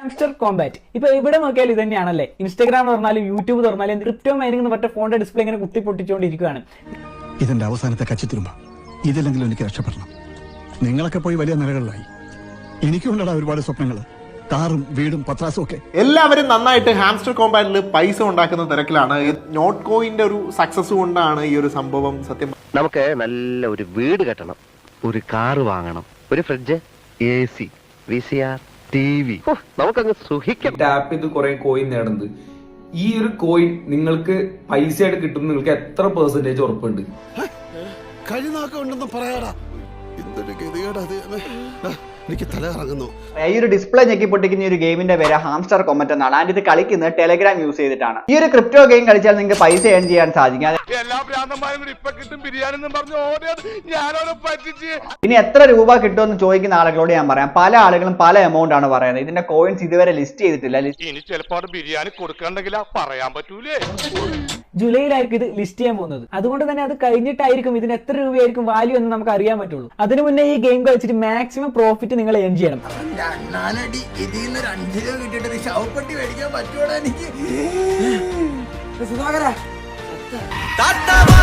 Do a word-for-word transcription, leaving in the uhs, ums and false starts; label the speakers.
Speaker 1: Hamster Kombat ഇപ്പൊ എവിടെ നോക്കിയാലും ഇത് തന്നെയാണല്ലേ. ഇൻസ്റ്റാഗ്രാം തുറന്നാലും യൂട്യൂബ് തുറന്നാലും ക്രിപ്റ്റോ മൈനിങ് എന്ന് പറഞ്ഞ ഫോണിന്റെ ഡിസ്പ്ലേ ഇങ്ങനെ കുത്തി പൊട്ടിച്ചുകൊണ്ടിരിക്കുകയാണ്.
Speaker 2: ഇതിന്റെ അവസാനത്തെ കച്ചിത്തുരുമ്പ ഇതില്ലെങ്കിലും എനിക്ക് രക്ഷപ്പെടണം. നിങ്ങളൊക്കെ പോയി വലിയ നിലകളിലായി. എനിക്കുണ്ടടാ ഒരുപാട് സ്വപ്നങ്ങൾ, കാറും വീടും പത്രാസും ഒക്കെ.
Speaker 3: എല്ലാവരും നന്നായിട്ട് ഹാംസ്റ്റർ കോമ്പാറ്റിൽ പൈസ ഉണ്ടാക്കുന്ന തിരക്കിലാണ്. നോട്ട് കോയിന്റെ ഒരു സക്സസ് കൊണ്ടാണ് ഈ ഒരു സംഭവം. സത്യം
Speaker 4: നമുക്ക് നല്ല ഒരു വീട് കെട്ടണം, ഒരു കാറ് വാങ്ങണം, ഒരു fridge, A C, V C R, T V, നമുക്കങ്ങ് സുഖിക്കാം.
Speaker 5: ടാപ്പ് ചെയ്ത് കുറെ കോയിൻ നേടുന്നത്. ഈ ഒരു കോയിൻ നിങ്ങൾക്ക് പൈസയായിട്ട് കിട്ടും. നിങ്ങൾക്ക് എത്ര പെർസെന്റേജ് ഉറപ്പുണ്ട്?
Speaker 2: കഴിനാക്കുണ്ടെന്ന് പറയാടാ. എന്തൊരു ഗതികേടാ അത്. എനിക്ക് തല ഇറങ്ങുന്നു.
Speaker 6: ഈ ഒരു ഡിസ്പ്ലേ ഞെക്കി പൊട്ടിക്കുന്ന ഒരു ഗെയിമിന്റെ പേര് ഹാംസ്റ്റർ കോമറ്റ് എന്നാണ്. ആൻഡ് ഇത് കളിക്കുന്നത് ടെലഗ്രാം യൂസ് ചെയ്തിട്ടാണ്. ഈ ഒരു ക്രിപ്റ്റോ ഗെയിം കളിച്ചാൽ നിങ്ങൾക്ക് പൈസ ഏൺ ചെയ്യാൻ സാധിക്കും. ഇനി എത്ര രൂപ കിട്ടുമെന്ന് ചോദിക്കുന്ന ആളുകളോട് ഞാൻ പറയാം, പല ആളുകളും പല എമൗണ്ട് ആണ് പറയുന്നത്. ഇതിന്റെ കോയിൻസ് ഇതുവരെ ലിസ്റ്റ് ചെയ്തിട്ടില്ല.
Speaker 7: ഇനി ചിലപ്പോൾ ബിരിയാണി കൊടുക്കണ്ടെങ്കിൽ പറയാൻ പറ്റൂലേ.
Speaker 1: ജൂലൈയിലായിരിക്കും ഇത് ലിസ്റ്റ് ചെയ്യാൻ പോകുന്നത്. അതുകൊണ്ട് തന്നെ അത് കഴിഞ്ഞിട്ടായിരിക്കും ഇതിന് എത്ര രൂപയായിരിക്കും വാല്യൂ എന്ന് നമുക്ക് അറിയാൻ പറ്റുള്ളൂ. അതിനു മുന്നേ ഈ ഗെയിം കളിച്ചിട്ട് മാക്സിമം പ്രോഫിറ്റ് നിങ്ങൾ ഏൺ ചെയ്യണം.
Speaker 8: സുധാകര